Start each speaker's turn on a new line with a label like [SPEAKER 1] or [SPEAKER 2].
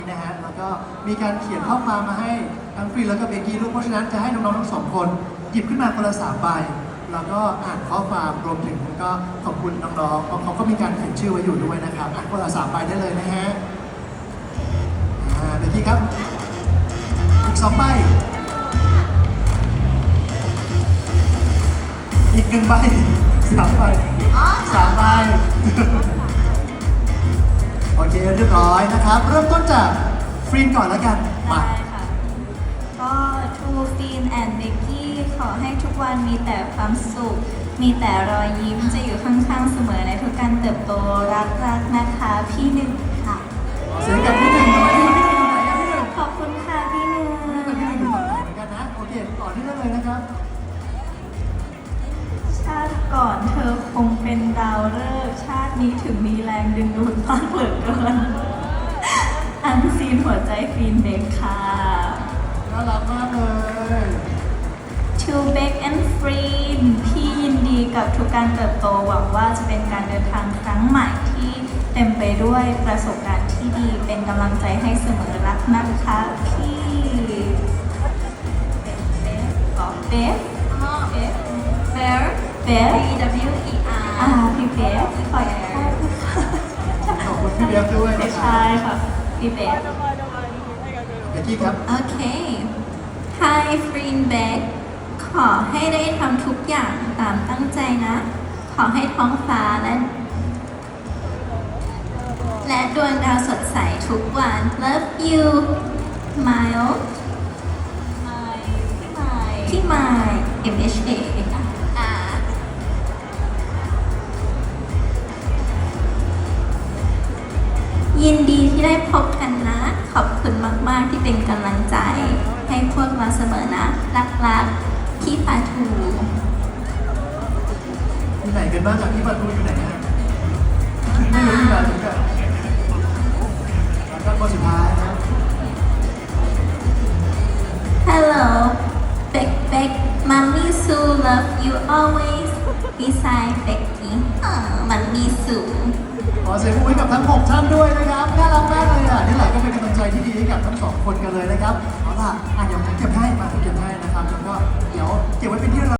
[SPEAKER 1] นะฮะแล้วก็มีการเขียนข้อความมาให้ทั้งฟรีแล้วก็เบกกี้ด้วยเพราะฉะนั้นจะให้น้องๆทั้งสองคนหยิบขึ้นมาคนละ3 ใบแล้วก็อ่านข้อความรวมถึงก็ขอบคุณน้องๆเพราะเขาก็มีการเขียนชื่อไว้อยู่ด้วยนะครับอ่านคนละ3 ใบได้เลยนะฮะเบกกี้ครับอีก2 ใบอีก1 ใบ3 ใบ3 ใบโอเคเรียบร้อยนะครับเริ่มต้นจากฟรีนก่อนแล้วกันมา
[SPEAKER 2] ได้ค่ะ ก็ทูฟีนแอนด์เบกกี้ขอให้ทุกวันมีแต่ความสุข มีแต่รอยยิ้มจะอยู่ข้างๆเสมอในทุกการเติบโตรักนะคะพี่หนึ่งค่ะ
[SPEAKER 1] เสียงกับพี่หนึ่งหน่อยพี่หนึ่งอยู่ไหนอะพี่หนึ่ง
[SPEAKER 2] ขอบคุณค่ะพี่หนึ่ง
[SPEAKER 1] พี่หนึ่งอยู่ฝั่งไหนเหมือนกันนะโอเคต่อเนื่องเลยนะครับ
[SPEAKER 2] ชาติก่อนเธอคงเป็นดาวฤกษ์ชาตินี้ถึงมีแรงดึงดูดมากเหลือเกินอันซีนหัวใจฟีนเบกค่ะ
[SPEAKER 1] น่ารักมากเลย
[SPEAKER 2] To Beck and Free พี่ยินดีกับทุกการเติบโตหวังว่าจะเป็นการเดินทางครั้งใหม่ที่เต็มไปด้วยประสบการณ์ที่ดีเป็นกำลังใจให้เสมอรักนะคะพี่เบฟเบฟเบฟเบฟ พี่เบฟขอโทษ
[SPEAKER 1] ขอบคุณพี่เบฟด้วยนะครั
[SPEAKER 2] ใช่
[SPEAKER 1] บ
[SPEAKER 2] ค่ะพี่เบฟ
[SPEAKER 1] เบกกี้ครับ
[SPEAKER 2] โอเค Hi Greenback ขอให้ได้ทำทุกอย่างตามตั้งใจนะ ขอให้ท้องฟ้าและดวงดาวสดใสทุกวัน Love you Mile พี่ไมล์ MHA อ่ายินดีที่ได้พบกันนะ ขอบคุณมาก ๆ ที่เป็นกำลังใจ ให้พวกเราเสมอนะ รักๆพี่ปาทู
[SPEAKER 1] อยู่ไหนกันบ้างอ่ะพี่ประตูอยู่ไหนอ่ะไม่รู้อยู่ไหนถึงกันแล้วก็คนสุดท้ายนะ
[SPEAKER 2] Hello Beck Mommy Sue love you always beside Becky Mommy Sue
[SPEAKER 1] ขอเสียงปรบมือให้กับทั้ง6 ท่านด้วยนะครับน่ารักมากเลยอ่ะนี่แหละก็เป็นกำลังใจที่ดีให้กับทั้ง2 คนกันเลยนะครับเอาล่ะเดี๋ยวผมเก็บให้มาผมเก็บให้นะครับแล้วก็เดี๋ยวเก็บไว้เป็นที่ระลึก